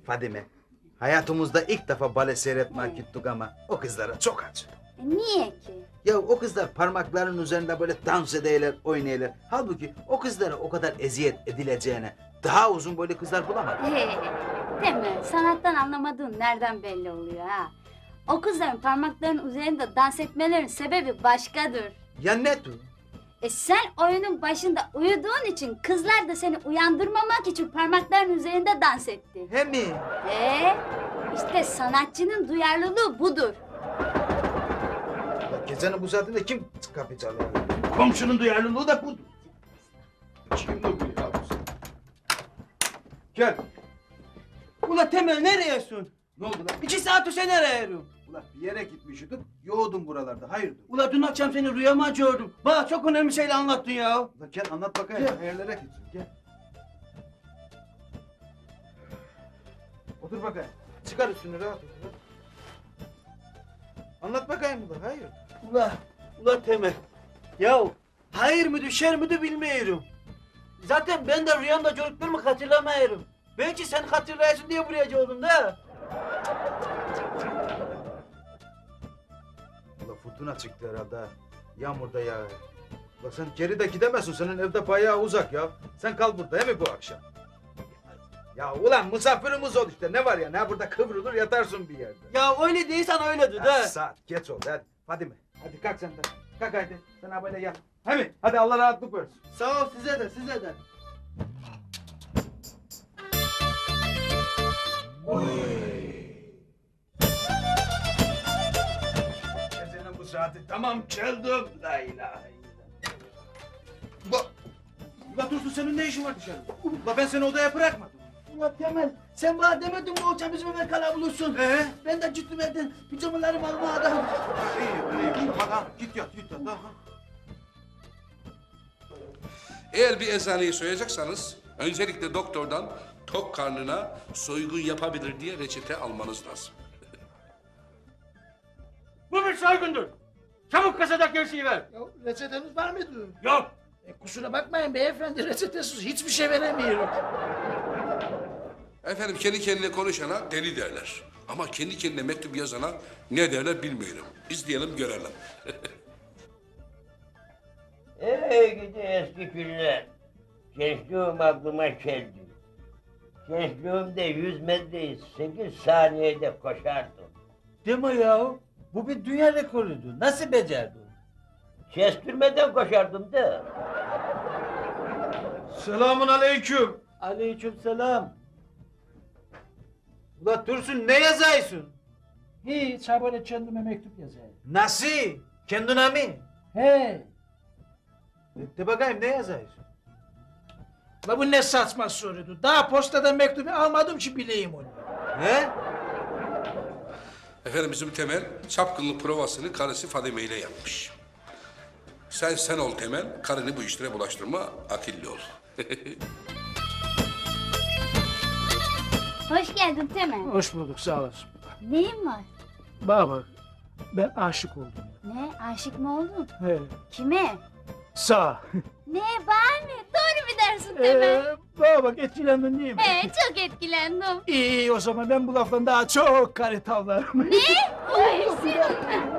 Fadime, hayatımızda ilk defa bale seyretmeye gittik ama o kızlara çok acı. Niye ki? Ya o kızlar parmaklarının üzerinde böyle dans ederler, oynayırlar. Halbuki o kızlara o kadar eziyet edileceğine daha uzun boylu kızlar bulamadım. Değil mi? Sanattan anlamadığın nereden belli oluyor ha? O kızların parmaklarının üzerinde dans etmelerinin sebebi başkadır. Ya ne tu? Sen oyunun başında uyuduğun için kızlar da seni uyandırmamak için parmaklarının üzerinde dans etti. He mi? İşte sanatçının duyarlılığı budur. Ya gecenin bu saatinde kim kapı çalıyor? Komşunun duyarlılığı da budur. Kim bu ya? Gel. Ula Temel nereyesin? Ne oldu lan? 2 saat sen nereye arıyorsun? Ulan bir yere gitmiştik, yoğurdum buralarda. Hayırdır? Ula dün akşam seni rüyama gördüm. Bana çok önemli şeyler anlattın ya. Ulan gel anlat bakayım. Hayırlara gitsin. Gel. Otur bakayım. Çıkar üstünü rahat otur. Anlat bakayım ulan. Hayır. Ula Temel. Ya hayır mıydı şer miydi bilmiyorum. Zaten ben de rüyamda gördüklerimi hatırlamıyorum. Belki sen hatırlayasın diye buraya geldim da. Ulan fırtına çıktı herhalde. Ha. Yağmurda ya. Ulan sen geri de gidemezsin. Senin evde bayağı uzak ya. Sen kal burada değil mi bu akşam? Ya ulan misafirimiz ol işte. Ne var ya? Ne burada kıvrılır yatarsın bir yerde. Ya öyle değilsen öyledir Ya, de. saat geç oldu hadi. Hadi mi? Hadi kalk sen de. Kalk hadi. Sen ha böyle yat. Hadi. Hadi Allah rahatlık versin. Sağ ol size de size de. Gecenin bu saati tamam çaldım. La ilahe illallah. Ulan Dursun senin ne işin var dışarıda? Ulan ben seni odaya bırakmadım. Ula Temel sen bana demedin mi o bizim eve kalabilirsin. Ben de gittim evden pijamalarımı almaya da. İyi. Bak git yat. Ha. Eğer bir eczaneyi soyacaksanız öncelikle doktordan tok karnına soygun yapabilir diye reçete almanız lazım. Bu bir soygundur. Çabuk kasadaki gerçeği ver. Ya reçeteniz var mıydı? Yok. Kusura bakmayın beyefendi reçetesiz hiçbir şey veremiyorum. Efendim kendi kendine konuşana deli derler. Ama kendi kendine mektup yazana ne derler bilmiyorum. İzleyelim görelim. Ey gidi eski günler. Gençliğim aklıma geldi. Gençliğimde 100 metreyi 8 saniyede koşardım. Deme ya. Bu bir dünya rekorudu. Nasıl becerdin? Kestirmeden koşardım da. Selamun aleyküm. Aleykümselam. Ulan Dursun ne yazıyorsun? Hiç ha böyle kendime mektup yazayım. Nasıl? Kendine mi? He. De bakayım ne yazıyorsun? La bu ne saçma soruydu. Daha postadan mektubu almadım ki bileyim onu. Ne? Efendim bizim Temel çapkınlık provasını karısı Fadime ile yapmış. Sen ol Temel, karını bu işlere bulaştırma, akıllı ol. Hoş geldin Temel. Hoş bulduk sağ olasın. Neyin var? Bana bak ben aşık oldum. Ne? Aşık mı oldun? He. Kime? Sağ. Ne? Var mı? Doğru mu dersin Temel? Bana bak etkilendin değil mi? Çok etkilendim. İyi o zaman ben bu laftan daha çok kare tavlarım. Ay senin.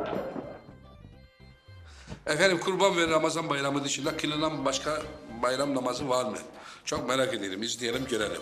Efendim Kurban ve Ramazan bayramı dışında kılınan başka bayram namazı var mı? Çok merak ederim, izleyelim görelim.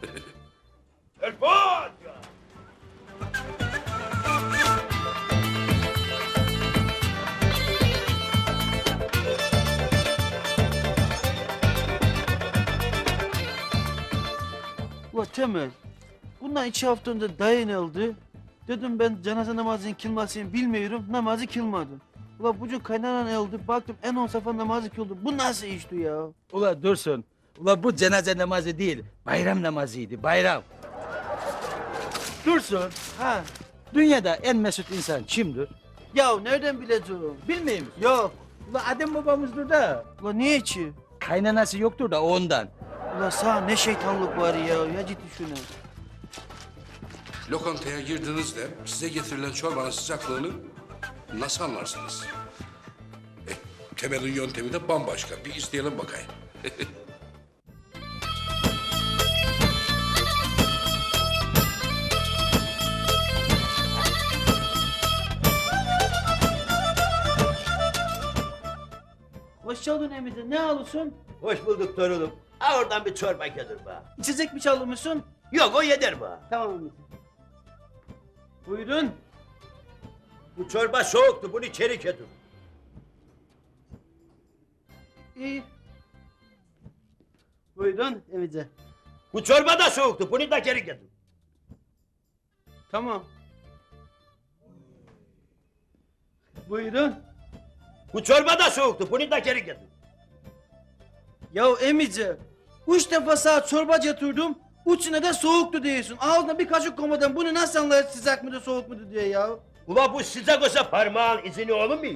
Ula Temel. Bundan 2 hafta önce dayanıldı. Dedim ben cenaze namazının kılmasını bilmiyorum. Namazı kılmadım. Ula bugün kaynanan öldü. Baktım en 10 sefer namazı kıldı. Bu nasıl işti ya? Ula Dursun, ula bu cenaze namazı değil, bayram namazıydı, bayram. Dursun, Ha. dünyada en mesut insan kimdir? Ya nereden bileceğim? Bilmiyor musun? Yok. Ula Adem babamızdır da, Ula niye ki? kaynanası yoktur da ondan. Ula sağ ne şeytanlık var ya. Ya ciddi şunu. Lokantaya girdiğinizde size getirilen çorbanın sıcaklığını nasıl anlarsınız? Temel'in yöntemi de bambaşka. Bir izleyelim bakayım. Hoş geldin Emice. Ne alıyorsun? Hoş bulduk torunum. Ha oradan bir çorba getir bana. İçecek mi çalmışsın? Yok o yeter bana. Tamam Emice. Buyurun. Bu çorba soğuktu, bunu içeri getir. İyi. Buyurun Emice. Bu çorba da soğuktu, bunu da geri getir. Tamam. Buyurun. Bu çorba da soğuktu, bunu da geri getir. Ya Emice, 3 defa sana çorba getirdim. Üçüne de soğuktu diyorsun. Ağzına bir kaşık koymadan bunu nasıl anlayır sıcak mıdır soğuk mudur diye ya. Ula bu sıcak olsa parmağın izini olur muydu?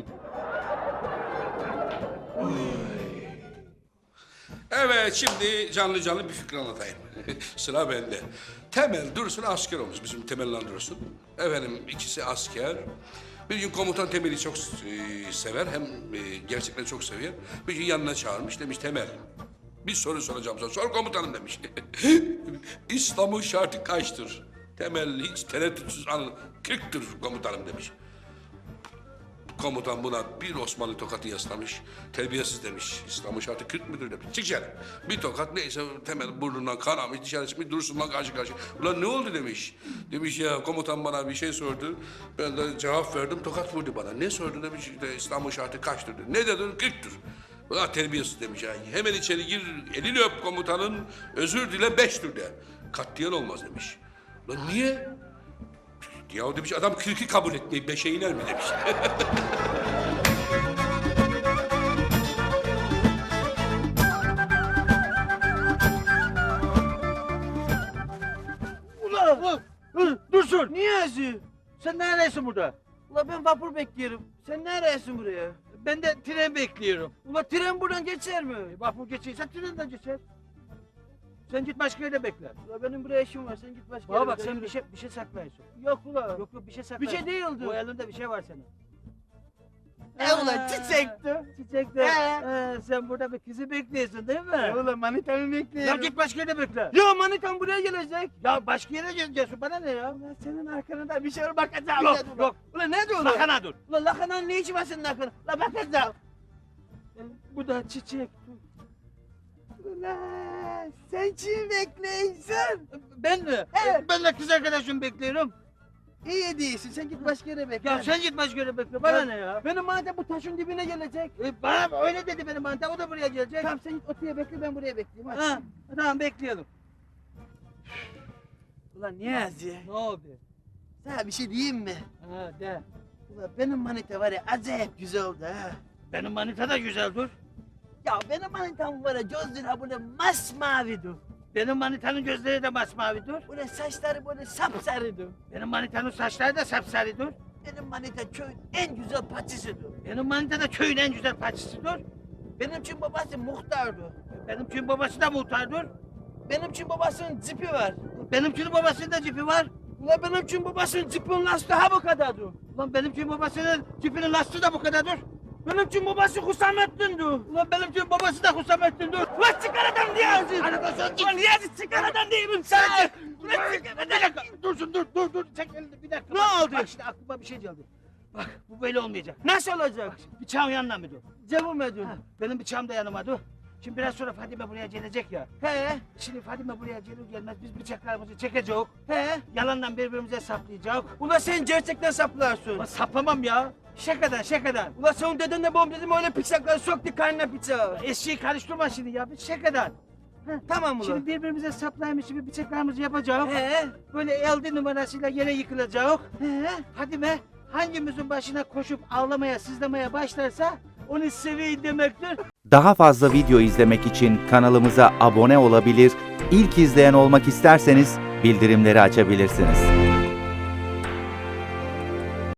Evet, şimdi canlı canlı bir fikir anlatayım. Sıra bende. Temel Dursun asker olmuş, bizim Temel Dursun. Efendim, ikisi asker. Bir gün komutan Temel'i çok sever, hem gerçekten çok seviyor. Bir gün yanına çağırmış, demiş Temel. Bir soru soracağım sana, sor komutanım demiş. İslam'ın şartı kaçtır? Temel hiç tereddütsüz 40'tır komutanım demiş. Komutan buna bir Osmanlı tokatı yaslamış. Terbiyesiz demiş. İslam'ın şartı 40 müdür demiş. Çık dışarı. Bir tokat neyse Temel burnundan kanamış dışarı çıkmış Dursun'la karşı karşı. Ulan ne oldu demiş. Demiş ya komutan bana bir şey sordu. Ben de cevap verdim tokat vurdu bana. Ne sordu demiş işte İslam'ın şartı kaçtır dedi. Ne dedin 40'tır. Ulan terbiyesiz demiş ya. Hemen içeri gir elini öp komutanın özür dile 5'tür de. Katliyen olmaz demiş. Ulan niye? Ya demiş adam 40'ı kabul etmeyip 5'e iner mi demiş. Ulan! Dursun! Niyazi! Sen neredesin burada? Ula ben vapur bekliyorum. Sen neredesin buraya? Ben de tren bekliyorum. Ula tren buradan geçer mi? Vapur geçiyorsa trenden geçer. Sen git başka yerde bekle. Ula benim buraya işim var. Sen git başka Bana yere. bak Ben sen yürü. bir şey saklıyorsun. Yok ula. Yok bir şey Bir saklıyorsun. şey değildi. Bu elinde bir şey var senin. Ulan çiçekti. Çiçekte. Sen burada bir kızı bekliyorsun değil mi? Ulan manitamı bekliyorum. Ya git başka yere bekle. Ya manitam buraya gelecek. Ya başka yere gideceksin bana ne ya? Ulan senin arkanda bir şey var bakacağım. Yok, dedim. yok. Ulan ne diyorsun? Sakana dur. Ulan lakananın ne işi var senin arkanda? Ulan bakacağım. Bu da çiçek. Ulan sen kim bekliyorsun? Ben mi? Evet. Ben de kız arkadaşımı bekliyorum. İyi değilsin sen git başka yere bekle. Ya sen git başka yere bekle. Bana ne ya? Benim manitam bu taşın dibine gelecek. Bana öyle dedi benim manitam. O da buraya gelecek. Tamam sen git otuya bekle ben buraya bekleyeyim. Hadi. Ha, tamam bekleyelim. Ulan Niyazi. Ne oldu? Sana bir şey diyeyim mi? Ha de. Ulan benim manita var ya acayip güzel oldu ha. Benim manita da güzeldir. Ya benim manitam var ya gözleri böyle masmavidir. Benim manitanın gözleri de masmavidir. Böyle saçları böyle sapsarıdır. Benim manitanın saçları da sapsarıdır. Benim manita köyün en güzel paçısıdır. Benim manita da köyün en güzel paçısıdır. Benim için babası muhtardı. Benimkinin babası da muhtardır. Benim için babasının cipi var. Benimkinin babasının da cipi var. Ulan benim için babasının cipinin lastiği ha bu kadardı. Ulan benimkinin babasının cipinin lastiği de bu kadardır. Benim için babası Hüsamettin'di. Ulan benimkinin babası da Hüsamettin'dir. Ulan çıkar adam Niyazi. Ulan Niyazi çıkar adam değilim sen. Ulan çıkar Bir adam. dakika, dursun, dur. Çek elini bir dakika. Ne Bak, oldu? Bak şimdi aklıma bir şey geldi. Bak bu böyle olmayacak. Nasıl olacak? Bıçağın yanına mı dur? Cevap edin. Ha, benim bıçağım da yanıma dur. Şimdi biraz sonra Fadime buraya gelecek ya. He Şimdi Fadime buraya gelir gelmez biz bıçaklarımızı çekeceğiz. he. Yalandan birbirimize saplayacağız. Ulan sen gerçekten saplarsın. Ulan saplamam ya. Şakadan. Ulan sen dedenle babam dedim öyle bıçakları soktu karnına bıçağı. Eşeği karıştırma şimdi ya. Bir şakadan. Tamam ulan. Şimdi birbirimize saplaymış gibi bıçaklarımızı yapacağız. He Böyle elde numarasıyla yere yıkılacağız. he. Fadime hangimizin başına koşup ağlamaya, sızlamaya başlarsa onu seveyim demektir. Daha fazla video izlemek için kanalımıza abone olabilir, ilk izleyen olmak isterseniz bildirimleri açabilirsiniz.